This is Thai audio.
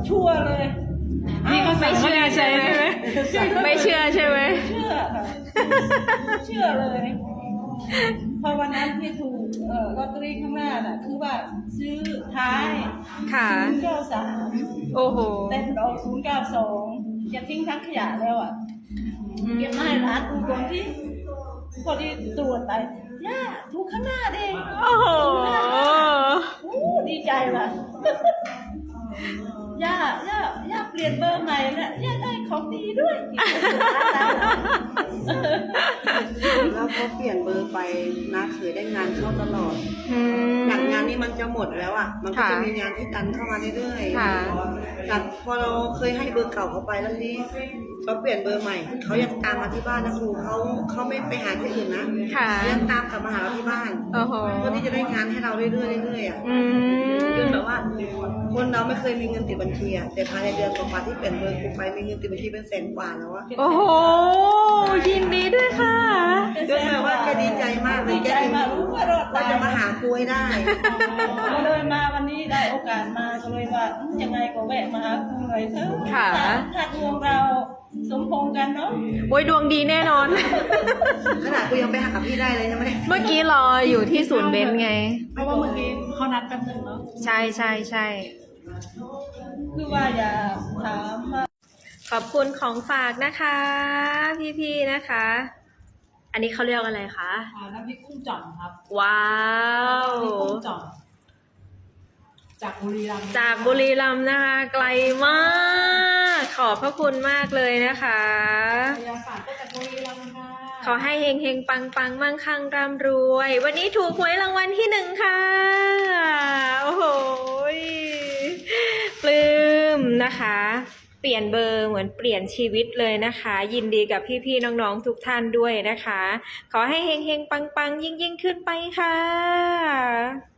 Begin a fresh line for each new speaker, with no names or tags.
ชัวร์เลย
นี่เขาไม่เชื่อใช่ไหมไม่เชื่อใช่ไหม
เชื่อค่ะเชื่อเลยพอวันนั้นที่ถูกลอตเตอรี่ข้างหน้าน่ะคือว่าซื้อท้าย
ค่ะ
093
โอ้โห
แต่มันออก092จะทิ้งทั้งขยะแล้วอ่ะเก็บมาให้ร้านดูก่อนที่พอที่ตรวจไปย่าถูกข้างหน้าเด้
โอ้โห
ดีใจว่ะย่าเปลี่ยนเบอร์ใหม่แล้วย่าได้ของดีด้วย
แล้วพอเปลี่ยนเบอร์ไปนะเคยได้งานเข้าตลอด
อืม
จากงานนี้มันจะหมดแล้วอ่ะ มันก็จะมีงานที่ตันเข้ามาเรื่อย
ค่ะ
ๆจากพอเราเคยให้เบอร์เก่าเขาไปแล้วนี้เขาเปลี่ยนเบอร์ใหม่ เขายังตามมาที่บ้านนะครูเขาไม่ไปหาที่อื่นนะ
ค่ะ
เขายังตามกลับมาหาเราที่บ้าน
โอ้โห
เพื่อที่จะได้งานให้เราเรื่อยๆเรื่อยๆอ่ะ
อืม
จนแบบว่าคนเราไม่เคยมีเงินติดบัญชีอ่ะแต่ภายในเดือนกว่าๆที่เปลี่ยนเบอร์กูไปมีเงินติดบัญชีเป็นแสนกว่าแล้วอ่ะ
โอ้โห ยินดีด้วยค่ะ
จนแบบว่าแกดีใจมากเล
ดี
ยแก
ใจมากรู้ว่ารอด
ว่า
ตาย
จะมาหาครูให้ได้
ก็เลยมาวันนี้ได้โอกาสมาก็เลยว่ายังไงก็แวะมาหาครูหน่อยเถอะ
ค่ะ
ถ้าดวงเราสมพงษ์กันเนาะ
โอ้ยดวงดีแน่นอน
ขนาดกูยังไปหากับพี่ได้เลยใช่ไหม
เมื่อกี้รออยู่ที่ศูนย์เบนซ์ไง
เพราะว่าเมื่อกี้เขานัดแป๊บนึงเนาะ
ใช่ใช่ใช่
คือว่าอย่าถามว่า
ขอบคุณของฝากนะคะ พี่ๆนะคะ อันนี้เขาเรียกอะไรคะ
น้ำพริกกุ้งจ่อมครับ
ว้าว
น้ำพริกกุ้งจ่อมจากบุรีรัมย์
จากบุรีรัมย์นะคะ ไกลมาก ขอบพระคุณมากเลยนะคะ
พยาศาสตร์ก็จากบุรีรัมย์ค่ะ
ขอให้เฮงเฮงปังปังมั่งคั่งร่ำรวย วันนี้ถูกหวยรางวัลที่1ค่ะ โอ้โหปลื้มนะคะ เปลี่ยนเบอร์เหมือนเปลี่ยนชีวิตเลยนะคะ ยินดีกับพี่ๆน้องๆทุกท่านด้วยนะคะ ขอให้เฮงเฮงปังปังยิ่งขึ้นไปค่ะ